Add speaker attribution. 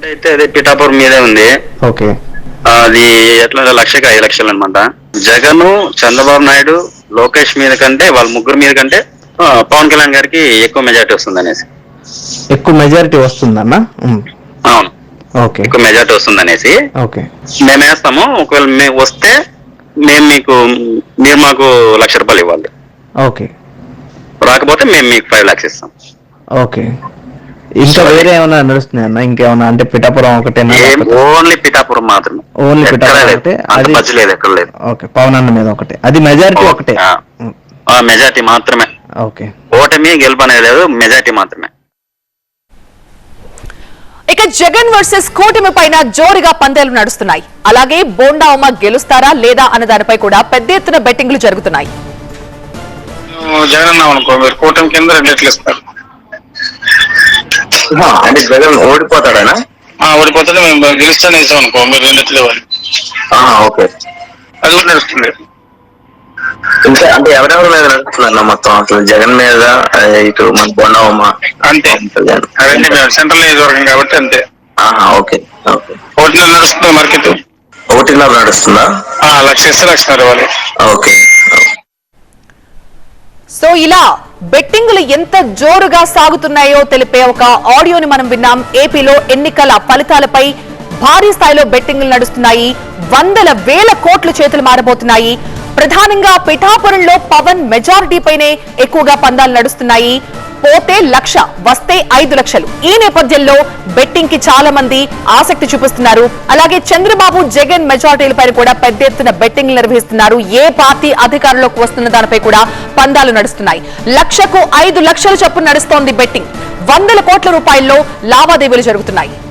Speaker 1: Amount అయితే అదే పిఠాపురం మీదే ఉంది.
Speaker 2: ఓకే.
Speaker 1: అది ఎట్లా 1,05,00,000 అనమాట. జగన్, చంద్రబాబు నాయుడు, లోకేష్ మీద కంటే వాళ్ళ ముగ్గురు మీద కంటే పవన్ కళ్యాణ్ గారికి ఎక్కువ మెజారిటీ వస్తుంది అనేసి.
Speaker 2: ఎక్కువ మెజారిటీ వస్తుందన్నా?
Speaker 1: అవును,
Speaker 2: ఓకే.
Speaker 1: ఎక్కువ మెజారిటీ వస్తుంది అనేసి
Speaker 2: ఓకే.
Speaker 1: మేము వేస్తాము. ఒకవేళ మేము వస్తే మీరు మాకు ₹1,00,000 ఇవ్వాలి.
Speaker 2: ఓకే.
Speaker 1: రాకపోతే మేము మీకు 5 lakhs ఇస్తాం.
Speaker 2: ఓకే. ఇంకా వేరే ఏమైనా నడుస్తున్నాయి అన్న? ఇంకేమన్నా అంటే పిఠాపురం ఒకటేనా?
Speaker 1: ఓన్లీ పిఠాపురం మాత్రమే.
Speaker 2: ఓన్లీ పిఠాపురం ఒకటే? అది
Speaker 1: లేదు, ఎక్కడ లేదు.
Speaker 2: ఓకే. పవన్ అన్న మీద ఒకటే, అది మెజారిటీ ఒకటే?
Speaker 1: మెజారిటీ మాత్రమే.
Speaker 2: ఓకే.
Speaker 1: ఓటమి గెలుపు అనేది లేదు, మెజారిటీ మాత్రమే.
Speaker 3: ఇక జగన్ వర్సెస్ కూటమి పైన జోరుగా పందేలు నడుస్తున్నాయి. అలాగే బోండా ఉమ గెలుస్తారా లేదా అన్న దానిపై కూడా పెద్ద ఎత్తున బెట్టింగ్లు జరుగుతున్నాయి.
Speaker 4: జగన్ అన్నాం అనుకో, మీరు కూటమి కింద 2 రెట్లు ఇస్తారు.
Speaker 1: అంటే జగన్ ఓడిపోతాడనా?
Speaker 4: ఓడిపోతే మేము గెలుస్తానే ఇస్తాం అనుకో, మీరు 2 రెట్లు ఇవ్వాలి.
Speaker 1: ఓకే,
Speaker 4: అది కూడా నడుస్తుంది.
Speaker 1: ఇంకా అంటే ఎవరెవరి మీద నడుస్తుందన్న మొత్తం? అసలు జగన్ మీద, ఇటు మన బొండవమ్మ
Speaker 4: అంతే. అవన్నీ మేము సెంట్రల్ నియోజకవర్గం కాబట్టి అంతే.
Speaker 1: ఓకే. ఓకే.
Speaker 4: 1.5 నడుస్తుంది మార్కెట్.
Speaker 1: 1.5 నడుస్తుందా?
Speaker 4: 1,00,000 ఇస్తే 1,00,000 ఇవ్వాలి.
Speaker 1: ఓకే.
Speaker 3: సో ఇలా బెట్టింగ్లు ఎంత జోరుగా సాగుతున్నాయో తెలిపే ఒక ఆడియోని మనం విన్నాం. ఏపీలో ఎన్నికల ఫలితాలపై భారీ స్థాయిలో బెట్టింగ్లు నడుస్తున్నాయి. వందల వేల కోట్లు చేతులు మారబోతున్నాయి. ప్రధానంగా పిఠాపురంలో పవన్ మెజారిటీ పైనే ఎక్కువగా పందాలు నడుస్తున్నాయి. పోతే 1,00,000, వస్తే 5 లక్షలు. ఈ నేపథ్యంలో బెట్టింగ్ కి చాలా మంది ఆసక్తి చూపిస్తున్నారు. అలాగే చంద్రబాబు, జగన్ మెజారిటీలపై కూడా పెద్ద ఎత్తున బెట్టింగ్లు నిర్వహిస్తున్నారు. ఏ పార్టీ అధికారంలోకి వస్తున్న దానిపై కూడా పందాలు నడుస్తున్నాయి. 1,00,000కు 5 లక్షల చొప్పున నడుస్తోంది బెట్టింగ్. వందల కోట్ల రూపాయల్లో లావాదేవీలు జరుగుతున్నాయి.